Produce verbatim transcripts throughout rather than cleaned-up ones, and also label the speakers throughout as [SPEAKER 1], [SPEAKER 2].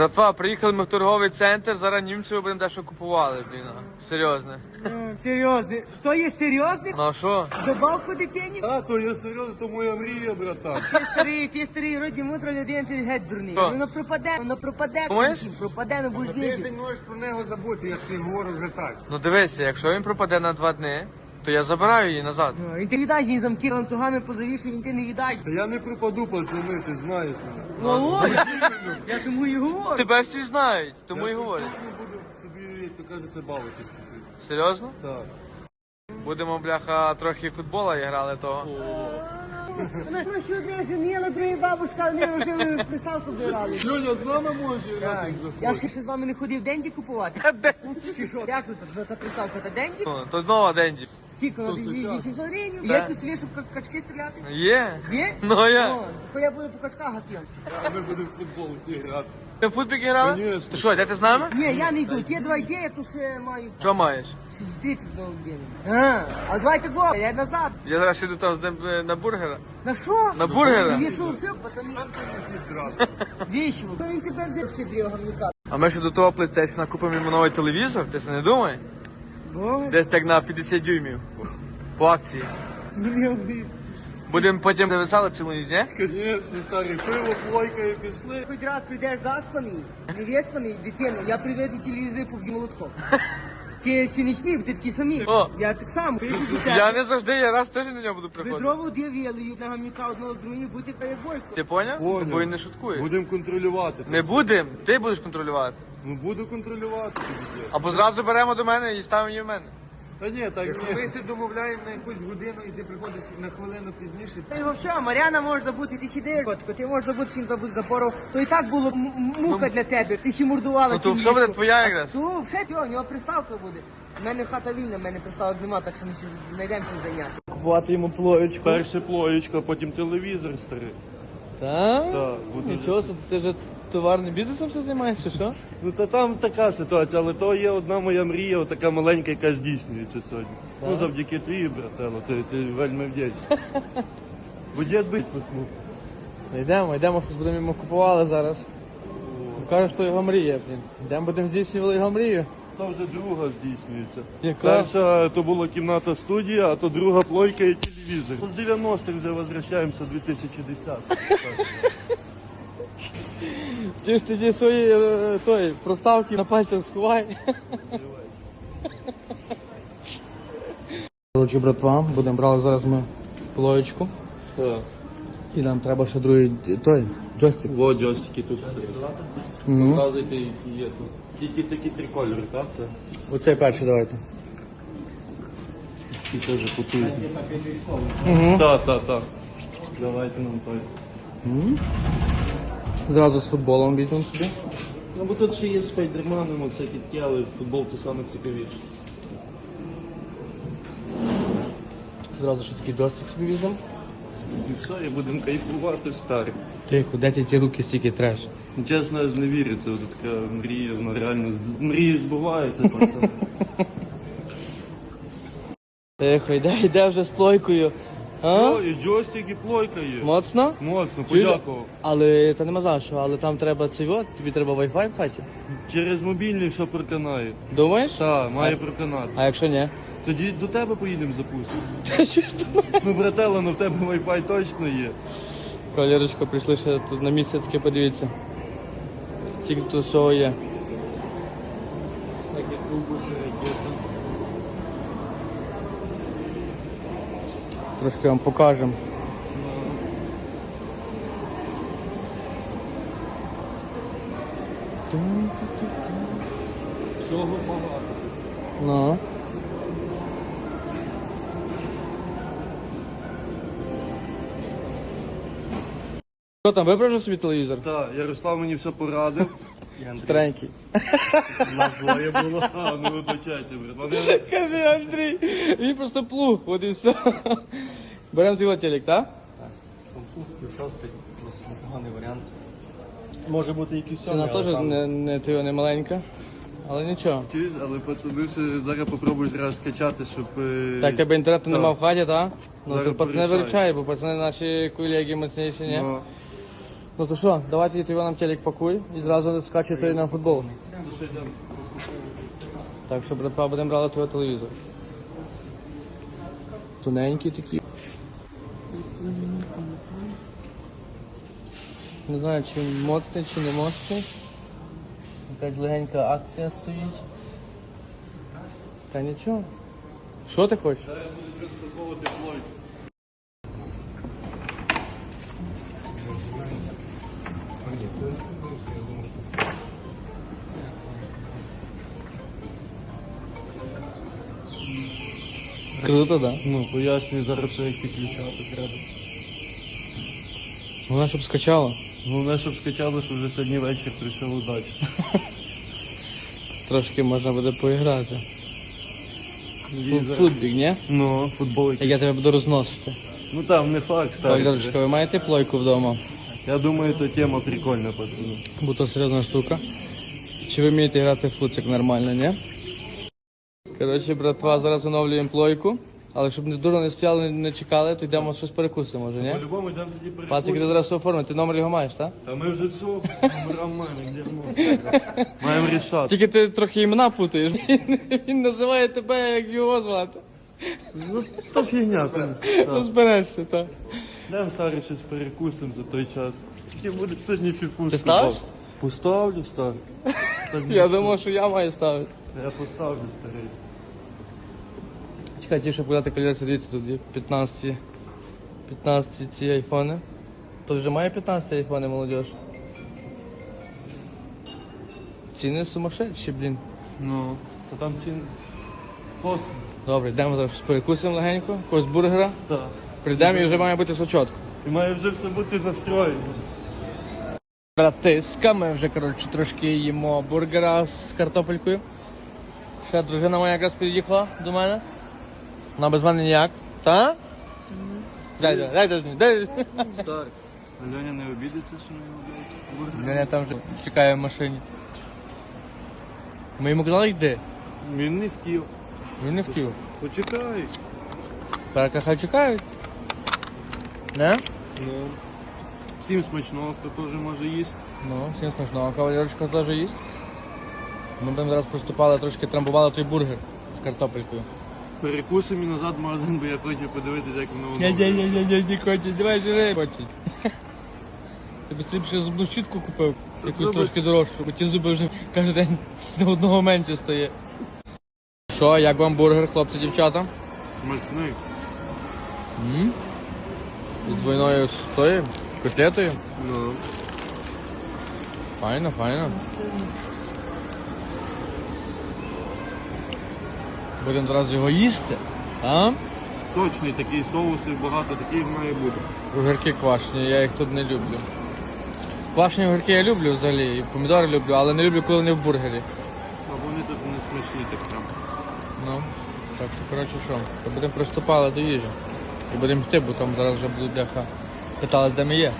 [SPEAKER 1] Братва, приїхали ми в торговий центр, зараз німців будемо дещо купували, блін. Серйозно.
[SPEAKER 2] Серйозно. То є серйозний?
[SPEAKER 1] Ну а що?
[SPEAKER 2] Забавку дитині?
[SPEAKER 3] А, то я серйозно, то моя мрія, братан.
[SPEAKER 2] Ти старий, ти старий, вроді мудра людина, ти геть дурний.
[SPEAKER 1] Що?
[SPEAKER 2] Воно пропаде, воно пропаде.
[SPEAKER 1] Думаєш?
[SPEAKER 2] Пропаде, ну будеш
[SPEAKER 3] Ти
[SPEAKER 2] бідний.
[SPEAKER 3] не можеш про нього забути, я тобі говорю вже так.
[SPEAKER 1] Ну дивися, якщо він пропаде на два дні, то я забираю її назад.
[SPEAKER 2] Ну, Він ти віддасть, він замки ланцюгами позавішив, він ти не віддасть.
[SPEAKER 3] Та я не пропаду, пацани, ти знаєш мене.
[SPEAKER 2] Ну, ой, я тому і говорю.
[SPEAKER 1] Тебе всі знають, тому і говорять.
[SPEAKER 3] Я буду собі, як то кажеться, бавитись чуть-чуть.
[SPEAKER 1] Серйозно?
[SPEAKER 3] Так.
[SPEAKER 1] Будемо, бляха, трохи футбола грали того.
[SPEAKER 2] Вона ж що одне женіла, друга бабушка, вони вже приставку брали.
[SPEAKER 3] Льоня, з нами може грати
[SPEAKER 2] Я ще ще з вами не ходив денді купувати.
[SPEAKER 1] Денді.
[SPEAKER 2] Чи що? Як тут ну, та приставка та денді?
[SPEAKER 1] Ну, то знову Денді.
[SPEAKER 2] Кілько на
[SPEAKER 3] То сучасно.
[SPEAKER 2] вісімсот гривень.
[SPEAKER 1] Да.
[SPEAKER 2] Є пістолет, щоб ка- качки стріляти?
[SPEAKER 1] Є?
[SPEAKER 2] Є?
[SPEAKER 1] Ну а я.
[SPEAKER 2] О, то я буду по качках гатити.
[SPEAKER 3] А ми будемо в футбол йти грати.
[SPEAKER 1] Ти в футбік грала?
[SPEAKER 3] Конечно.
[SPEAKER 1] Ти що, йдете з нами?
[SPEAKER 2] Ні, я не йду. Ті два йде, я тут ще маю
[SPEAKER 1] Що маєш?
[SPEAKER 2] зустріти з новим днем. А, а давайте го, я назад.
[SPEAKER 1] Я зараз йду там з ним е, на бургера.
[SPEAKER 2] На що?
[SPEAKER 1] На бургера?
[SPEAKER 2] Ви що, все, пацани? Вічно. Ну він тепер де ще дві огорника.
[SPEAKER 1] А ми ще до того PlayStation купимо йому новий телевізор, ти це не думай?
[SPEAKER 2] Боже,
[SPEAKER 1] Десь так на п'ятдесят дюймів. По акції.
[SPEAKER 2] мільйон.
[SPEAKER 1] Будемо потім зависали цілу ніч, ні?
[SPEAKER 3] Звісно, старий, пиво, плойка і пішли.
[SPEAKER 2] Хоч раз прийдеш заспаний, не виспаний, дитину, я приведу телевізор поб'ю молотком. Ти ще не смів, ти такі самі.
[SPEAKER 1] О.
[SPEAKER 2] Я так само. Прийду до
[SPEAKER 1] Я
[SPEAKER 2] тебе.
[SPEAKER 1] не завжди, я раз теж на нього буду приходити.
[SPEAKER 2] Ведрово дивили, на гамнюка одного з другим, будете перед войском.
[SPEAKER 1] Ти поняв?
[SPEAKER 3] Поняв.
[SPEAKER 1] Бо він не шуткує.
[SPEAKER 3] Будемо контролювати.
[SPEAKER 1] Не будем, ти будеш контролювати.
[SPEAKER 3] Ну буду контролювати тобі.
[SPEAKER 1] Або зразу беремо до мене і ставимо її в мене.
[SPEAKER 3] Та ні, так
[SPEAKER 4] Якщо
[SPEAKER 3] ні.
[SPEAKER 4] ми себе домовляємо на якусь годину і ти приходиш на хвилину пізніше,
[SPEAKER 2] Та його що, Мар'яна може забути, ти сидиш, котику, ти можеш забути, що він тебе буде запоров. То і так було м- м- мука для тебе, ти ще мордувала.
[SPEAKER 1] Ну то
[SPEAKER 2] цю
[SPEAKER 1] що буде
[SPEAKER 2] мішку.
[SPEAKER 1] твоя якраз?
[SPEAKER 2] Ну, все, цього, у нього приставка буде. У мене хата вільна, в мене приставок нема, так що ми ще знайдемо чим зайняти.
[SPEAKER 1] Купувати йому плоєчку.
[SPEAKER 3] Перше плоєчка, потім телевізор старий.
[SPEAKER 1] Так?
[SPEAKER 3] Так, буде
[SPEAKER 1] Нічого,
[SPEAKER 3] вже.
[SPEAKER 1] собі, ти вже товарним бізнесом все займаєшся, що?
[SPEAKER 3] Ну та там така ситуація, але то є одна моя мрія, така маленька, яка здійснюється сьогодні. Ну завдяки тобі, брателло, ти, ти вельми вдячний. Бо дід бить посмух.
[SPEAKER 1] Ну, Йдемо, йдемо, щось будемо йому купували зараз. Каже, що його мрія, блін. Йдемо будемо здійснювати його мрію.
[SPEAKER 3] Та вже друга здійснюється.
[SPEAKER 1] Яка?
[SPEAKER 3] Перша то була кімната студія, а то друга плойка і телевізор. З дев'яностих вже возвращаємося в дві тисячі десятий.
[SPEAKER 1] Ті ж тоді свої е, той, проставки на пальцях сховай. Коротше, братва, будемо брати зараз ми плоєчку.
[SPEAKER 3] Так.
[SPEAKER 1] І нам треба ще другий той, джойстик.
[SPEAKER 3] Во джойстики тут стоять.
[SPEAKER 1] Ну.
[SPEAKER 3] Показуйте, які є тут. Тільки такі три кольори, так? Так.
[SPEAKER 1] Оцей перший давайте.
[SPEAKER 3] І теж потужні.
[SPEAKER 1] Угу.
[SPEAKER 3] Так, так, так. Давайте нам той.
[SPEAKER 1] Зразу з футболом візьмемо собі.
[SPEAKER 3] Ну бо тут ще є спайдерманом, оце таке, але футбол то саме цікавіше.
[SPEAKER 1] Зразу ще такий джойстик собі візьмемо.
[SPEAKER 3] І все, і будемо кайфувати старі.
[SPEAKER 1] Тихо, де ті ті руки стільки треш?
[SPEAKER 3] Чесно, аж не віриться, от така мрія, вона реально з- мрії збуваються, пацани.
[SPEAKER 1] Тихо, йде, йде вже з плойкою. А?
[SPEAKER 3] Все, і джойстик, і плойка є.
[SPEAKER 1] Моцно?
[SPEAKER 3] Моцно,
[SPEAKER 1] Чуєш?
[SPEAKER 3] подякував.
[SPEAKER 1] Але та нема за що, але там треба цей от, тобі треба Wi-Fi в хаті.
[SPEAKER 3] Через мобільний все проканає.
[SPEAKER 1] Думаєш?
[SPEAKER 3] Так, має проканати.
[SPEAKER 1] А якщо ні?
[SPEAKER 3] Тоді до тебе поїдемо запустимо.
[SPEAKER 1] Та що ж то?
[SPEAKER 3] Ну, брателло, ну в тебе Wi-Fi точно є.
[SPEAKER 1] Кавалерочка, прийшли ще тут на місяцьке, подивіться. Скільки тут всього є.
[SPEAKER 3] Всякі кубуси, ракети.
[SPEAKER 1] Трошки вам покажемо.
[SPEAKER 3] Всього багато.
[SPEAKER 1] Ну. Що там, вибрав вже собі телевізор?
[SPEAKER 3] Так, Ярослав мені все порадив.
[SPEAKER 1] Старенький.
[SPEAKER 3] У нас двоє було. А, ну вибачайте, брат. Вони
[SPEAKER 1] Скажи, Андрій, він просто плуг, от і все. Беремо твій телек, так?
[SPEAKER 4] Samsung Q шість, досить непоганий варіант.
[SPEAKER 3] може бути якийсь
[SPEAKER 1] Ціна теж не, не, твоя, не маленька, але нічого.
[SPEAKER 3] Чуєш, але пацани ще зараз попробуй раз скачати, щоб... е,
[SPEAKER 1] Так, тебе інтернету
[SPEAKER 3] так.
[SPEAKER 1] нема в хаті, так? Ну,
[SPEAKER 3] Зараз
[SPEAKER 1] то пацани
[SPEAKER 3] порішаю.
[SPEAKER 1] виручають, бо пацани наші колеги моцніші, ні?
[SPEAKER 3] Ну,
[SPEAKER 1] Ну то що, давайте ти нам телек пакуй і зразу скачуйте на футбол. Так що, братва, будемо брати твій телевізор. Тоненький такий. Не знаю, чи моцний, чи не моцний. Якась легенька акція стоїть. Та нічого. Що ти хочеш?
[SPEAKER 3] Зараз я буду розпаковувати плойку.
[SPEAKER 1] Круто, да?
[SPEAKER 3] Ну, пояснюю зараз, що як підключати треба.
[SPEAKER 1] Вона щоб скачала.
[SPEAKER 3] Головне, щоб скачали, що вже сьогодні вечір прийшов удачно.
[SPEAKER 1] Трошки можна буде поіграти.
[SPEAKER 3] Візер.
[SPEAKER 1] Футбік, ні?
[SPEAKER 3] Ну, футбол
[SPEAKER 1] Як
[SPEAKER 3] якийсь.
[SPEAKER 1] я тебе буду розносити.
[SPEAKER 3] Ну там не факт, ставить.
[SPEAKER 1] Валерочка, ви маєте плойку вдома?
[SPEAKER 3] Я думаю, то тема прикольна, пацани.
[SPEAKER 1] Бо то серйозна штука. Чи ви вмієте грати в футсик нормально, ні? Коротше, братва, зараз оновлюємо плойку. Але щоб не дурно не стояли, не чекали, то йдемо щось перекусимо, може, ні?
[SPEAKER 3] По-любому йдемо тоді
[SPEAKER 1] Пацик, ти
[SPEAKER 3] перекусимо.
[SPEAKER 1] зараз все оформити, ти номер його маєш, так?
[SPEAKER 3] Та ми вже все, номерам маємо, дерьмо. Маємо рішати.
[SPEAKER 1] Тільки ти трохи імена путаєш. Він, він називає тебе, як його звати.
[SPEAKER 3] Ну, то фігня, конечно.
[SPEAKER 1] Розберешся, так.
[SPEAKER 3] Йдемо старий щось перекусимо за той час. Тільки буде сьогодні фіфушку.
[SPEAKER 1] Ти ставиш?
[SPEAKER 3] Поставлю, старий. Та ні,
[SPEAKER 1] Я думав, що я маю ставити.
[SPEAKER 3] Я поставлю, старий.
[SPEAKER 1] Чекай, ті, щоб подати коляці, дивіться, тут є п'ятнадцять, п'ятнадцять ці айфони. То вже має п'ятнадцять айфони, молодіж. Ціни сумасшедші, блін.
[SPEAKER 3] Ну, то там ці... Космос.
[SPEAKER 1] Добре, йдемо зараз щось перекусимо легенько, якогось бургера.
[SPEAKER 3] Так.
[SPEAKER 1] Прийдемо і вже має бути все чітко.
[SPEAKER 3] І має вже все бути настроєно.
[SPEAKER 1] Братиска, ми вже, коротше, трошки їмо бургера з картопелькою. Ще дружина моя якраз під'їхала до мене. Вона без мене ніяк. Та? Дай, дай, дай, дай, дай.
[SPEAKER 3] Старий. Льоня не обідеться, що не обідеться?
[SPEAKER 1] Мене там вже чекає в машині. Ми йому казали, йди.
[SPEAKER 3] Він не хотів.
[SPEAKER 1] Він не хотів.
[SPEAKER 3] Почекай.
[SPEAKER 1] Перка хай чекають. Не?
[SPEAKER 3] Ну. Всім смачного, хто теж може їсти.
[SPEAKER 1] Ну, всім смачного. Кавалерочка теж їсть. Ми будемо зараз поступали, трошки трамбували той бургер з картопелькою.
[SPEAKER 3] Перекусимо і назад в магазин, бо я хочу подивитися, як воно воно.
[SPEAKER 1] Ні-ні-ні-ні, Коті, давай живи. Коті. Тобі собі ще зубну щітку купив, якусь
[SPEAKER 3] Зуби-
[SPEAKER 1] трошки дорожчу, бо ті зуби вже кожен день до одного менше стає. Що, як вам бургер, хлопці, дівчата?
[SPEAKER 3] Смачний.
[SPEAKER 1] М? З двойною з тою котлетою?
[SPEAKER 3] Ну.
[SPEAKER 1] Файно, файно. Будемо зараз його їсти, а?
[SPEAKER 3] Сочний такий, соусів багато, таких має бути.
[SPEAKER 1] Огірки квашені, я їх тут не люблю. Квашені огірки я люблю взагалі, і помідори люблю, але не люблю, коли вони в бургері.
[SPEAKER 3] А вони тут не смачні так прям.
[SPEAKER 1] Ну, так що, коротше, що, то будемо приступали до їжі. І будемо йти, бо там зараз вже будуть деха питались, де ми є.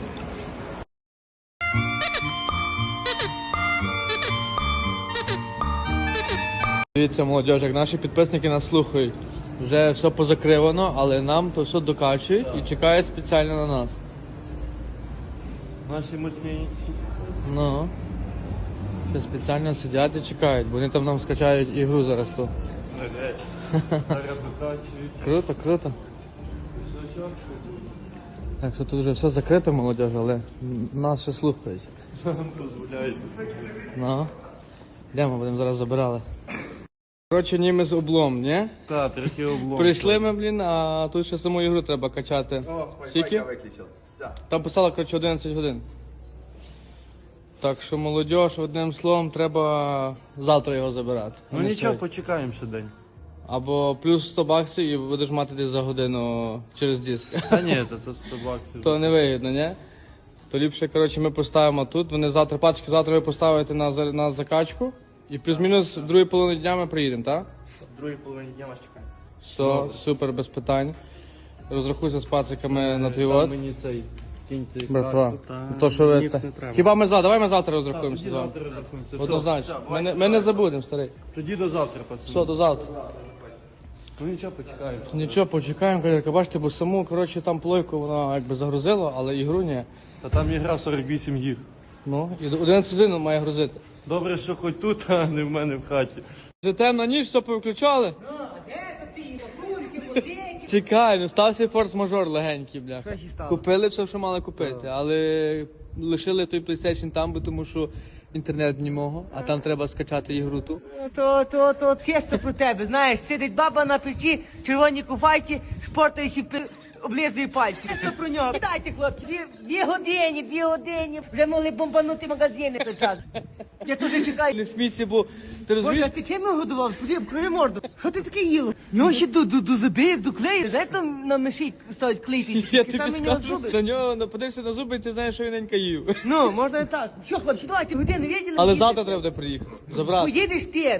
[SPEAKER 1] Дивіться, молодіж, як наші підписники нас слухають. Вже все позакривано, але нам то все докачують і чекають спеціально на нас.
[SPEAKER 3] Наші міцні.
[SPEAKER 1] Ну, ще спеціально сидять і чекають, бо вони там нам скачають ігру зараз то.
[SPEAKER 3] Зараз докачують.
[SPEAKER 1] Круто, круто. Так що тут вже все закрито, молодіж, але нас ще слухають.
[SPEAKER 3] Нам дозволяють.
[SPEAKER 1] Ну, йдемо, будемо зараз забирали. Коротше, німець облом, ні?
[SPEAKER 3] Так, трохи облом.
[SPEAKER 1] Прийшли ми, блін, а тут ще саму ігру треба качати. Скільки? Там писало, коротше, одинадцять годин. Так що, молодіж, одним словом, треба завтра його забирати. а
[SPEAKER 3] Ну
[SPEAKER 1] не
[SPEAKER 3] нічого,
[SPEAKER 1] сьогодні.
[SPEAKER 3] почекаємо ще день.
[SPEAKER 1] Або плюс сто баксів і будеш мати десь за годину через диск.
[SPEAKER 3] Та ні, то, то сто баксів.
[SPEAKER 1] То не вигідно, ні? То ліпше, коротше, ми поставимо тут. Вони завтра, пачки, завтра ви поставите на, за- на закачку. І плюс-мінус в другій половині дня ми приїдемо, так?
[SPEAKER 3] В другій половині дня вас чекаємо.
[SPEAKER 1] Все, супер, без питань. Розрахуйся з пациками на твій
[SPEAKER 3] Там
[SPEAKER 1] от.
[SPEAKER 3] мені цей скиньте
[SPEAKER 1] Братва,
[SPEAKER 3] карту, та
[SPEAKER 1] то що ви...
[SPEAKER 3] ніц
[SPEAKER 1] та-
[SPEAKER 3] не треба.
[SPEAKER 1] Хіба ми завтра? Давай ми завтра розрахуємося
[SPEAKER 3] Тоді
[SPEAKER 1] з вами.
[SPEAKER 3] завтра розрахуємося. Все,
[SPEAKER 1] Однозначно.
[SPEAKER 3] все,
[SPEAKER 1] Ми не, ми не забудемо, старий.
[SPEAKER 3] Тоді до завтра, пацани.
[SPEAKER 1] Все, до завтра.
[SPEAKER 3] Ну нічого, почекаємо.
[SPEAKER 1] Нічого, почекаємо, колірка. Бачите, бо саму, коротше, там плойку вона якби загрузила, але ігру ні.
[SPEAKER 3] Та там ігра сорок вісім гір.
[SPEAKER 1] Ну, і до одинадцять годин має грузити.
[SPEAKER 3] Добре, що хоч тут, а не в мене в хаті.
[SPEAKER 1] Вже темна ніч, все повключали.
[SPEAKER 2] Ну, а де це ти? Курки, музики.
[SPEAKER 1] Чекай, ну стався форс-мажор легенький, бля.
[SPEAKER 2] Що ще стало?
[SPEAKER 1] Купили все, що мали купити, але лишили той PlayStation там, бо тому що інтернет не мого, а там треба скачати ігру ту.
[SPEAKER 2] Ну, То, то, то чисто про тебе, знаєш, сидить баба на плечі, червоній куфайці, шпортаючи, пи- облизує пальці. Чисто про нього. Дайте, хлопці, дві, дві години, дві години. Вже могли бомбанути магазини той час. Я теж чекаю.
[SPEAKER 1] Не смійся, бо ти
[SPEAKER 2] Боже,
[SPEAKER 1] розумієш?
[SPEAKER 2] а ти чим його годував? Куди, куди морду? Що ти таке їло? Ну ще до, до, до забив, до клею. Знаєш, там на миші ставить клеїти?
[SPEAKER 1] Я
[SPEAKER 2] Такі
[SPEAKER 1] тобі
[SPEAKER 2] самі нього
[SPEAKER 1] скажу,
[SPEAKER 2] зуби.
[SPEAKER 1] на нього нападешся на зуби, і ти знаєш, що він ненька їв.
[SPEAKER 2] Ну, можна і так. Що, хлопці, давайте, годину виділи?
[SPEAKER 1] Але
[SPEAKER 2] їдеш.
[SPEAKER 1] завтра треба буде приїхати. Забрати.
[SPEAKER 2] Поїдеш ти.